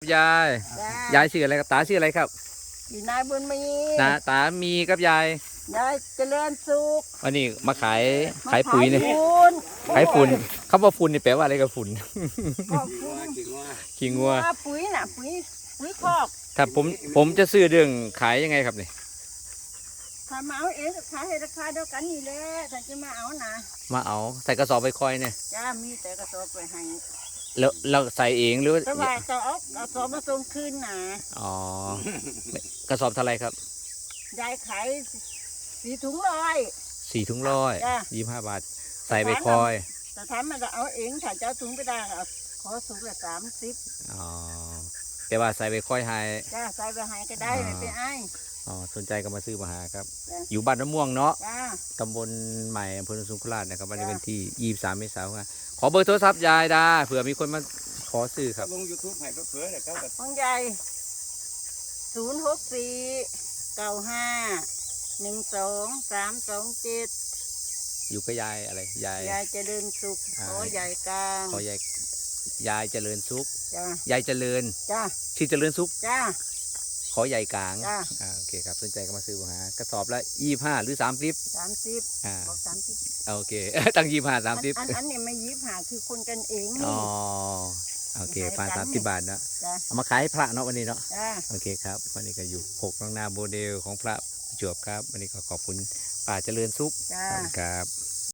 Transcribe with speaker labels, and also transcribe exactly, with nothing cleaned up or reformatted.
Speaker 1: ยายยายชื่ออะไรครับตาชื่ออะไรครับ
Speaker 2: อยู่นายบุญมี
Speaker 1: นะตามีกับยาย
Speaker 2: ยายเจริญสุข
Speaker 1: วันนี้มาขายขายปุ๋ยเนี่ย
Speaker 2: ฝุ่น
Speaker 1: ขายฝุ่นคำว่าฝุ่นนี่แปลว่าอะไรกับฝุ่น
Speaker 2: ก็ฝุ่น
Speaker 1: ขี้งัว
Speaker 2: ปุ๋ยน่ะปุ๋ยปุ๋ยคอก
Speaker 1: ถ้าผมผมจะซื้อเรื่องขายยังไงครับนี่
Speaker 2: ถ้ามาเอาเองก็ขายให้ราคาเดียวกันนี่แหละถ้าจะมาเอานะ
Speaker 1: มาเอาใส่กระสอบไปคอยเนี่ย
Speaker 2: จ้ามีแต่กระสอบไปให้
Speaker 1: แล้วเราใส่เองหรือ
Speaker 2: แต่ว่าจะเอากระสอบมาส่งคืนน่ะ
Speaker 1: อ๋อกระสอบเท่าไรครับ
Speaker 2: ยายขายสี่ถุงร้อย
Speaker 1: สี่ถุงร้อย
Speaker 2: จ้ะ
Speaker 1: ยี่สิบห้าบาทใส่ไปคอย
Speaker 2: แต่ถ้ามันจะเอาเองถ้าจะเอาถุงไปได้เอาขอถุงละสามสิบ
Speaker 1: อ๋อแต่ว่าใส่ไปคอยให้
Speaker 2: จ้าใส่ไปให้ก็ได้ไม่ไปไอ้
Speaker 1: อ๋อสนใจก็มาซื้อมาหาครับ
Speaker 2: จ้ะ
Speaker 1: อยู่บ้านน้ำม่วงเนาะ
Speaker 2: จ้า
Speaker 1: ตำบลใหม่อำเภอโนนสุขลาชนะครับวันนี้
Speaker 2: จ้ะ
Speaker 1: เป็นที่ยี่สิบสามเมษายนขอเบอร์โทรศัพท์ยายดาเผื่อมีคนมาขอซื้อครับ
Speaker 3: ลงยูทูบให้เพื่อๆเนี่ยเขาก็
Speaker 2: ของยายศูนย์หกสี่เก้าห้าหนึ่งสองสามสองเจ็ด
Speaker 1: อยู่กับยายอะไรยาย
Speaker 2: ยายเจริญสุข
Speaker 1: อ่า
Speaker 2: ขอยายกลาง
Speaker 1: ขอยายยายเจริญสุข
Speaker 2: จ้าย
Speaker 1: ายเจริญ
Speaker 2: จ้า
Speaker 1: ชื่อเจริญสุข
Speaker 2: จ้า
Speaker 1: ขอยายกลาง
Speaker 2: จ้า
Speaker 1: อ่าโอเคครับสนใจก็มาซื้อมาหากระสอบละยี่ห้าหรือสามสิบ
Speaker 2: สามสิบ
Speaker 1: อ่า
Speaker 2: บอกสามสิบ
Speaker 1: โอเค ตั้งยี่ห้าสามสิบ
Speaker 2: อันอันนี้ไม่ยิบหาคือคนกันเอง
Speaker 1: อ๋
Speaker 2: นี่
Speaker 1: อโอเคพันสามสิบบาทเนาะ
Speaker 2: จ้า
Speaker 1: เอามาขายให้พระเนาะวันนี้เนาะ
Speaker 2: จ้า
Speaker 1: โอเคครับวันนี้ก็อยู่หกน้องนาโมเดลของพระประจวบครับวันนี้ก็ขอบคุณป่าเจริญสุข
Speaker 2: จ้า
Speaker 1: ขอบคุณครับ